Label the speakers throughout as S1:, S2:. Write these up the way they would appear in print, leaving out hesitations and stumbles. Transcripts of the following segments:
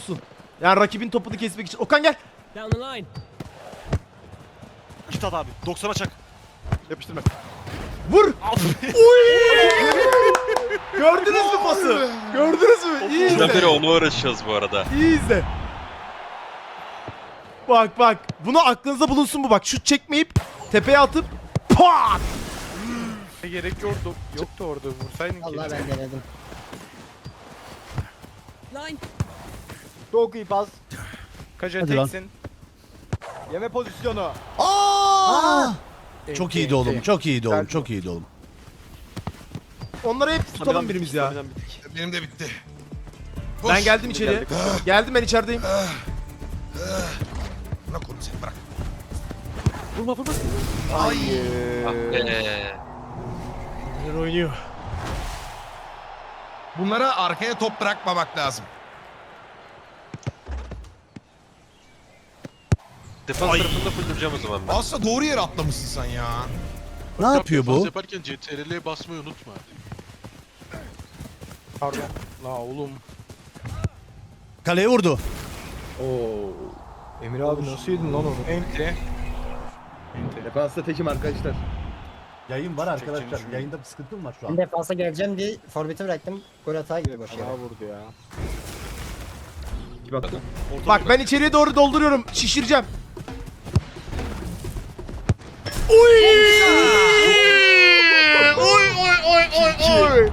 S1: olsun. Yani rakibin topunu kesmek için. Okan gel.
S2: Down the line.
S3: Git at abi. 90'a çak. Yapıştırma.
S1: Vur. Uy! Gördünüz mü pası? Gördünüz mü? İyi
S4: Bizden beri
S1: izle.
S4: onu uğraşacağız bu arada.
S1: İyi izle. Bak bak. Bunu aklınızda bulunsun bu bak. Şut çekmeyip tepeye atıp pat!
S5: Gerek yoktu orada vursaydın
S6: Allah
S5: ki.
S6: ben denedim.
S2: Line.
S3: Çok iyi pas.
S5: Kaca
S7: Hadi lan.
S5: teksin.
S3: Yeme pozisyonu.
S7: Aa! Çok
S5: Enti,
S7: iyiydi oğlum.
S5: enti.
S7: Çok iyiydi oğlum.
S5: Güzel.
S7: Çok iyiydi oğlum.
S1: Onları hep tutalım birimiz ya.
S8: Benim de bitti.
S1: Ben geldim içeriye. Geldim ben içerideyim.
S8: Bırak onu sen bırak.
S3: Vurma vurma.
S4: Ah be.
S1: Neler oynuyor.
S8: Bunlara arkaya top bırakmamak lazım.
S4: Defans tarafında fullleyeceğim o zaman ben.
S8: Aslında doğru yere atlamışsın sen ya.
S7: Ne yapıyor bu?
S9: Yaparken CTRL'ye basmayı unutma.
S5: Pardon. La oğlum.
S7: Kaleye vurdu.
S5: Emir abi nasıl yedin lan onu? Enti.
S3: Defansta tekim arkadaşlar.
S7: Yayın var
S5: arkadaşlar.
S7: Yayında bir sıkıntım var şu
S6: Ben defansa geleceğim diye forveti bıraktım. Gol hata gibi boş yere.
S5: Bana vurdu ya.
S3: Kim attı?
S1: Bak ben içeriye doğru dolduruyorum. Şişireceğim. Uy! Oy oy oy oy oy.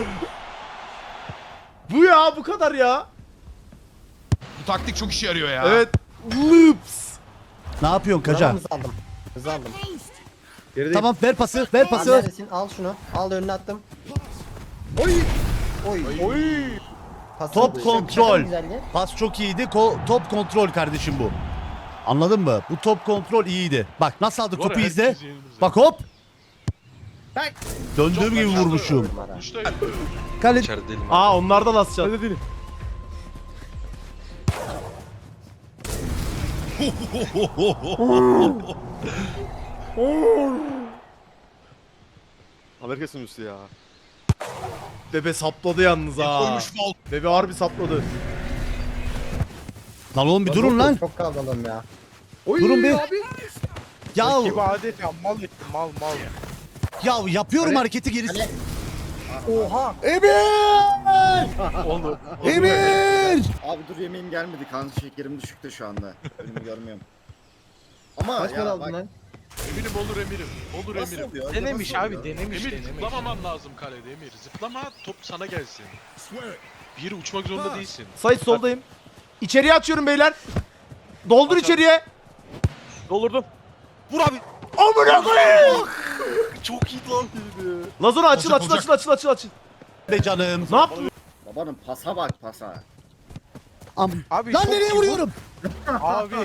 S1: Bu ya bu kadar ya.
S8: Bu taktik çok işe yarıyor ya.
S1: Evet. Loops.
S7: Ne yapıyorsun
S6: Bravo,
S7: Kaca?
S6: hızlı aldım. Hızlı aldım.
S3: Gerideyim.
S7: Tamam ver pası. Ver
S6: Al
S7: pası.
S6: neredesin? Al şunu. Al önüne attım.
S3: Oy.
S6: Oy.
S5: Oy.
S6: Pasın
S7: Top
S6: şaka
S7: kontrol.
S6: güzelliği.
S7: Pas çok iyiydi. Top kontrol kardeşim bu. Anladın mı? Bu top kontrol iyiydi. Bak nasıl aldık topu izle. Bak hop. Döndüğüm gibi vurmuşum.
S6: Numara.
S9: İşte
S7: Kale.
S4: İçeride değilim.
S1: Aa onlardan asacağız.
S3: Hadi değilim. Amerika sunucusu ya.
S1: Bebe sapladı yalnız ha.
S8: Koymuş faul.
S1: Bebe harbi sapladı.
S7: Lan oğlum bir durun lan.
S6: Çok kavgalım ya.
S5: Oy
S7: Durun bir.
S5: abi.
S7: Ya
S5: Rakibi adet ya mal ettim mal.
S7: ya yapıyorum hareketi gerisi.
S6: Kale. Oha.
S5: Oğlum.
S7: Emir!
S10: Abi dur yemeğim gelmedi. Kan şekerim düşükte şu anda. Önümü görmüyorum. Ama
S3: Kaç
S10: ya
S3: para
S10: bak,
S3: aldın lan?
S9: emirim olur emirim. Olur
S10: nasıl
S9: emirim.
S10: oluyor?
S5: Denemiş
S10: Nasıl
S5: abi
S10: oluyor?
S5: denemiş
S9: Emir
S5: denemiş.
S9: zıplamaman lazım kalede Emir. Zıplama top sana gelsin. Bir yere uçmak zorunda değilsin.
S1: Sait soldayım. İçeriye açıyorum beyler. Doldur içeriye.
S3: Doldurdum. Vur abi.
S1: Amına koyayım.
S3: Çok iyi lan.
S1: Lazona açıl
S8: Olacak,
S1: açıl açıl açıl açıl.
S7: Be canım.
S1: Ne yaptın?
S10: Babanın pasa bak pasa.
S5: Abi
S7: Lan
S5: çok
S7: nereye
S5: iyi
S7: vuruyorum?
S5: Abi.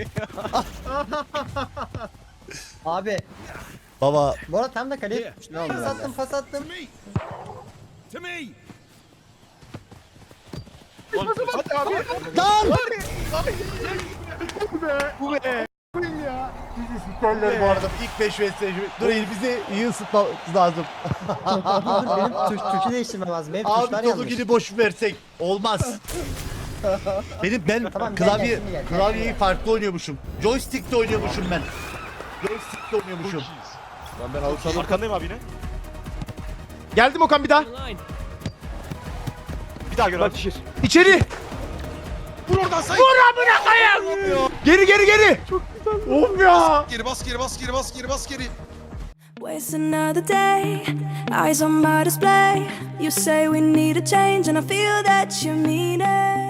S6: Abi.
S7: Baba
S6: Bu arada tam da kaleye tutmuş. Ne oldu pas attım pas attım.
S5: Hadi abi.
S7: lan!
S5: Bu be.
S7: Goller bu arada ilk 5 vs. Dur bizi iyi ısıtmamız lazım.
S6: Dur benim tuşu değiştirmem lazım. Benim
S7: Abi
S6: tuşlar
S7: dolu
S6: yanlış.
S7: günü boş versek olmaz. Ben
S6: Tamam, gel,
S7: klavye
S6: gel, şimdi gel,
S7: klavyeyi
S6: gel.
S7: farklı oynuyormuşum. Joystick'te oynuyormuşum ben. Joystick'te oynuyormuşum.
S3: Lan ben alırsam arkandayım abi yine.
S1: Geldim Okan bir daha.
S2: Down the line.
S3: Bir daha gör abi. Şişir.
S1: İçeri.
S8: Vur oradan say.
S1: Geri geri geri. Çok güzel. Of ya.
S8: Geri bas geri bas geri bas geri bas geri.
S11: Waste another day, eyes on my display. You say we need a change, and I feel that you mean it.